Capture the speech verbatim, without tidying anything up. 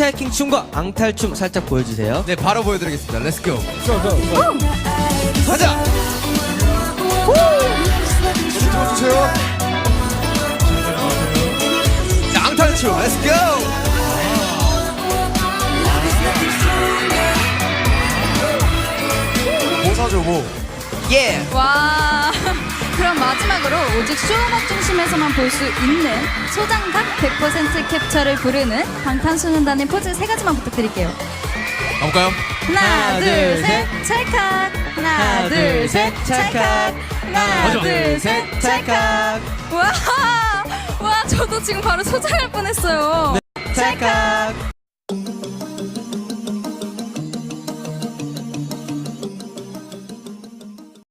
스트라이킹 춤과 앙탈춤 살짝 보여주세요. 네, 바로 보여드리겠습니다. 렛츠 고. 가자. 주세요. 자, 앙탈춤 렛츠 고. 뭐 사줘 뭐. 예. 와. 그럼 마지막으로 오직 쇼음악 중심에서만 볼 수 있는 소장각 백 퍼센트 캡처를 부르는 방탄소년단의 포즈 세 가지만 부탁드릴게요. 가볼까요? 하나, 하나, 둘, 둘, 셋, 찰칵. 하나, 둘, 셋, 찰칵. 하나, 맞아. 둘, 셋, 찰칵. 와, 와, 저도 지금 바로 소장할 뻔했어요. 찰칵.